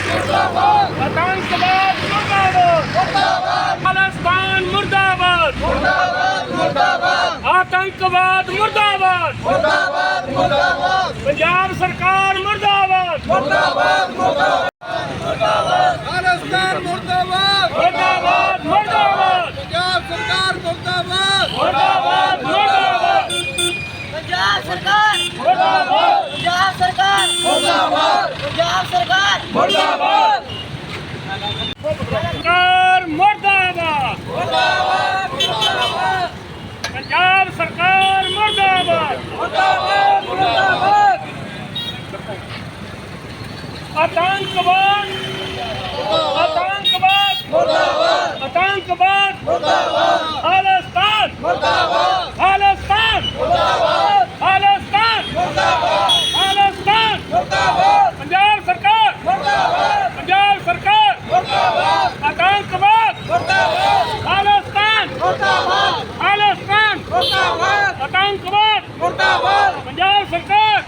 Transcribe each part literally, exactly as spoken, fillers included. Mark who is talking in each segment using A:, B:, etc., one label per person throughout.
A: आतंकवाद मुर्दाबाद, खालिस्तान मुर्दाबाद, आतंकवाद मुर्दाबाद, पंजाब सरकार मुर्दाबाद,
B: खालिस्तान मुर्दाबाद,
A: मुर्दाबाद मुर्दाबाद,
B: पंजाब सरकार मुर्दाबाद,
A: मुर्दाबाद मुर्दाबाद,
C: पंजाब सरकार
A: मुर्दाबाद,
C: पंजाब सरकार
B: मुर्दाबाद,
C: पंजाब सरकार
A: मुर्दाबाद, सरकार मुर्दाबाद, पंजाब सरकार मुर्दाबाद, आतंकवाद आतंकवाद आतंकवाद खालिस्तान खालिस्तान खालिस्तान खालिस्तान पंजाब सरकार पंजाब सरकार आतंकवाद खालिस्तान खालिस्तान आतंकवाद पंजाब सरकार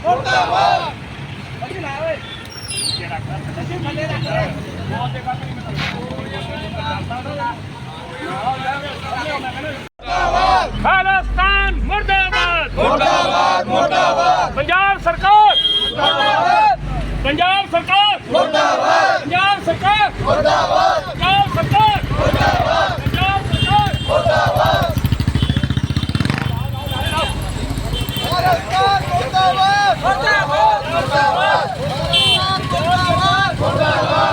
A: खालिस्तान मुर्दाबाद,
B: मुर्दाबाद, मुर्दाबाद,
A: पंजाब सरकार पंजाब सरकार
B: मुर्दाबाद,
A: पंजाब सरकार
B: मुर्दाबाद,
A: पंजाब सरकार
B: मुर्दाबाद,
A: पंजाब सरकार
B: मुर्दाबाद, खालिस्तान मुर्दाबाद, मुर्दाबाद, मुर्दाबाद, मुर्दाबाद, मुर्दाबाद,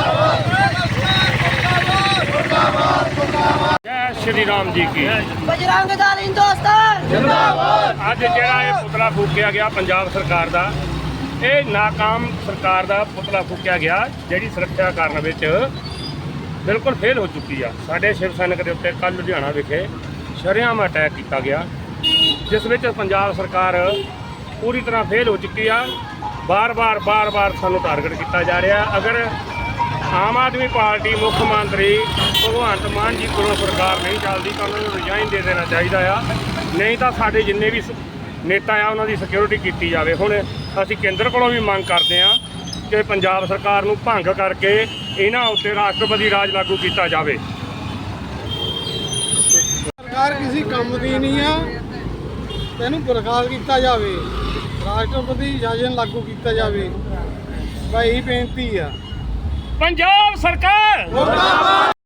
A: जय श्री राम जी की
C: बजरंग दल हिंदुस्तान
B: जिंदाबाद,
A: ਅੱਜ ਜਿਹੜਾ ਇਹ ਪੁਤਲਾ ਫੂਕਿਆ ਗਿਆ ਪੰਜਾਬ ਸਰਕਾਰ ਦਾ, ਇਹ ਨਾਕਾਮ ਸਰਕਾਰ ਦਾ ਪੁਤਲਾ ਫੂਕਿਆ ਗਿਆ ਜਿਹੜੀ ਸੁਰੱਖਿਆ ਕਰਨ ਵਿੱਚ ਬਿਲਕੁਲ ਫੇਲ ਹੋ ਚੁੱਕੀ ਆ। ਸਾਡੇ ਸ਼ਿਵ ਸੈਨਿਕ ਦੇ ਉੱਤੇ ਕੱਲ੍ਹ ਲੁਧਿਆਣਾ ਵਿਖੇ ਸ਼ਰੇਆਮ ਅਟੈਕ ਕੀਤਾ ਗਿਆ, ਜਿਸ ਵਿੱਚ ਪੰਜਾਬ ਸਰਕਾਰ ਪੂਰੀ ਤਰ੍ਹਾਂ ਫੇਲ ਹੋ ਚੁੱਕੀ ਆ। ਬਾਰ-ਬਾਰ ਬਾਰ-ਬਾਰ ਸਾਨੂੰ ਟਾਰਗੇਟ ਕੀਤਾ ਜਾ ਰਿਹਾ। ਅਗਰ ਆਮ ਆਦਮੀ ਪਾਰਟੀ ਮੁੱਖ ਮੰਤਰੀ ਭਗਵੰਤ ਮਾਨ ਜੀ ਕੋਲੋਂ ਸਰਕਾਰ ਨਹੀਂ ਚੱਲਦੀ ਤਾਂ ਉਹਨਾਂ ਨੂੰ ਰਿਜ਼ਾਈਨ ਦੇ ਦੇਣਾ ਚਾਹੀਦਾ ਆ, ਨਹੀਂ ਤਾਂ ਸਾਡੇ ਜਿੰਨੇ ਵੀ ਸ- ਨੇਤਾ ਆ ਉਹਨਾਂ ਦੀ ਸਿਕਿਉਰਿਟੀ ਕੀਤੀ ਜਾਵੇ। ਹੁਣ ਅਸੀਂ ਕੇਂਦਰ ਕੋਲੋਂ ਵੀ ਮੰਗ ਕਰਦੇ ਹਾਂ ਕਿ ਪੰਜਾਬ ਸਰਕਾਰ ਨੂੰ ਭੰਗ ਕਰਕੇ ਇਹਨਾਂ ਉੱਤੇ ਰਾਸ਼ਟਰਪਤੀ ਰਾਜ ਲਾਗੂ ਕੀਤਾ ਜਾਵੇ।
B: ਸਰਕਾਰ ਕਿਸੇ ਕੰਮ ਦੀ ਨਹੀਂ ਆ, ਤੈਨੂੰ ਬਰਖਾਸਤ ਕੀਤਾ ਜਾਵੇ, ਰਾਸ਼ਟਰਪਤੀ ਸ਼ਾਸਨ ਲਾਗੂ ਕੀਤਾ ਜਾਵੇ। ਭਾਈ ਬੇਨਤੀ ਆ।
A: ਪੰਜਾਬ ਸਰਕਾਰ
B: ਮੁਰਦਾਬਾਦ।